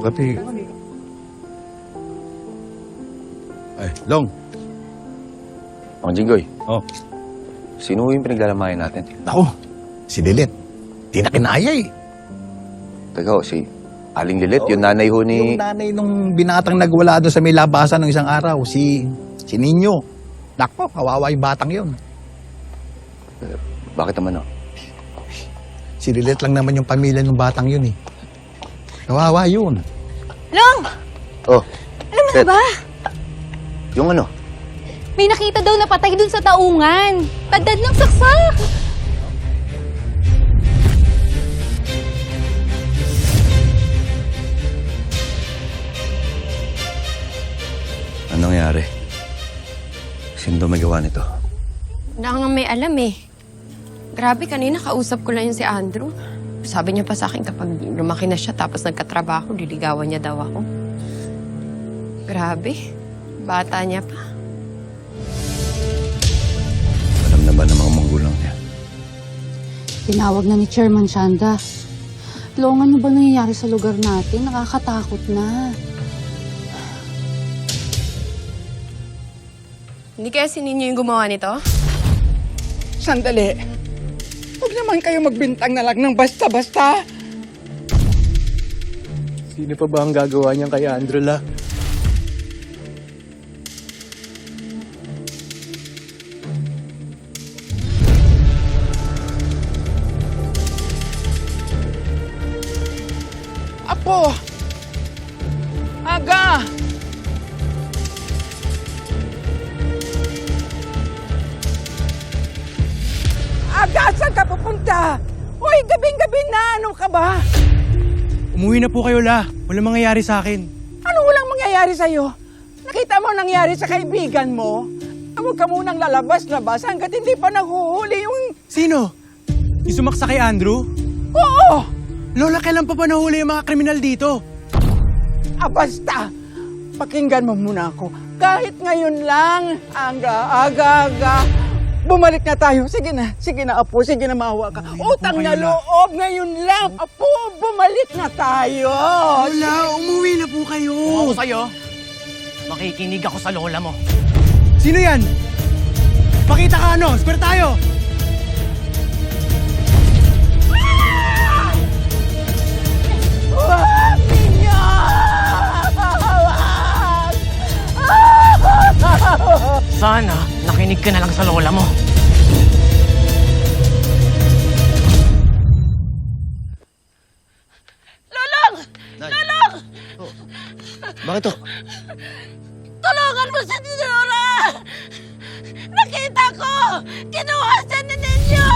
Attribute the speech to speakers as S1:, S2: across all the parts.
S1: Kapi. Ay, Long.
S2: Mang Jinggoy,
S1: Oh.
S2: sino yung pinaglalamayan natin?
S3: Ako, si Lilit. Di na kinaya eh.
S2: Teka ho, si Aling Lilit, yung nanay ho ni...
S3: Yung nanay nung binatang nagwala doon sa may labasan ng isang araw, si Nino. Nakpo, kawawa yung batang yun.
S2: Bakit naman ho?
S3: Si Lilit lang naman yung pamilya ng batang yun eh. Kawawa yun.
S4: Long!
S2: Oh,
S4: Alam mo na
S2: Ted.
S4: ba?
S2: Yung ano?
S4: May nakita daw na patay dun sa taungan. Tadad ng saksak.
S2: Anong nangyari? Sino daw may gawa nito?
S5: Wala nga may alam eh. Grabe, kanina kausap ko lang yun si Andrew. Sabi niya pa sa akin kapag lumaki na siya tapos nagkatrabaho, liligawan niya daw ako. Grabe, bata niya pa.
S2: Alam na ba ng mga magulang niya?
S6: Tinawag na ni Chairman Shanda. Long, ano ba nangyayari sa lugar natin? Nakakatakot na.
S5: Hindi kaya si Ninyo yung gumawa nito?
S7: Sandali. Huwag naman kayo magbintang na lang ng basta-basta.
S8: Sino pa ba ang gagawa niyan kay Andrew la?
S7: Apo! Aga! Aga, saan ka pupunta? Hoy, gabing-gabi na, ano ka ba?
S8: Umuwi na po kayo la. Walang mangyayari sa akin.
S7: Ano walang mangyayari sa'yo? Nakita mo ang nangyari sa kaibigan mo? Huwag ka munang lalabas-labas hanggat hindi pa nahuhuli yung...
S8: Sino? Yung sumaksa kay Andrew?
S7: Oo!
S8: Lola, kailan pa ba nahuli yung mga kriminal dito?
S7: Ah, basta! Pakinggan mo muna ako. Kahit ngayon lang, aga. Bumalik na tayo. Sige na, Apo. Sige na, maawa ka. Utang na loob ngayon lang. Apo, bumalik na tayo.
S8: Lola, umuwi na po kayo.
S9: Ako sa'yo, makikinig ako sa lola mo.
S8: Sino yan? Pakita ka ano, square tayo.
S7: Wag ninyo!
S9: Sana, nakinig ka na lang sa lola mo.
S2: Bakit to?
S4: Tulungan mo si Dinora! Nakita ko! Kinuha siya ni Ninyo!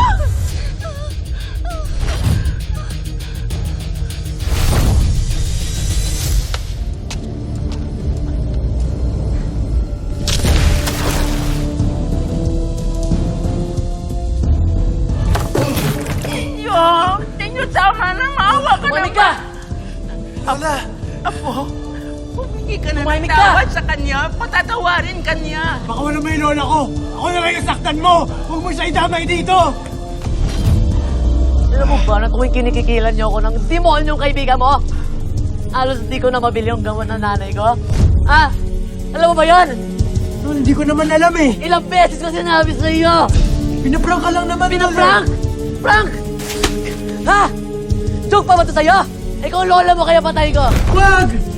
S4: Ninyo, tama na! Maawa ka
S9: Tumahimik ka!
S7: Lola, Apo, humingi ka na ng
S9: Tumahimik ka!
S7: tawad sa kanya. Patatawarin kanya.
S8: Baka wala may lola ko. Ako na lang nasaktan mo. Huwag mo siya idamay dito.
S9: Alam mo ba na tuwing kinikikilan niyo ako ng demonyong kaibigan mo? Alos di ko na mabili yung gamot ng nanay ko. Ah, alam mo ba yan?
S8: Tol, hindi ko naman alam eh.
S9: Ilang beses ko sinabi sa iyo!
S8: Pinaprank ka lang naman.
S9: Pinaprank! Prank! Ha? Joke pa ba ito sa'yo? Ikaw lola mo kaya patay ko.
S8: Wag!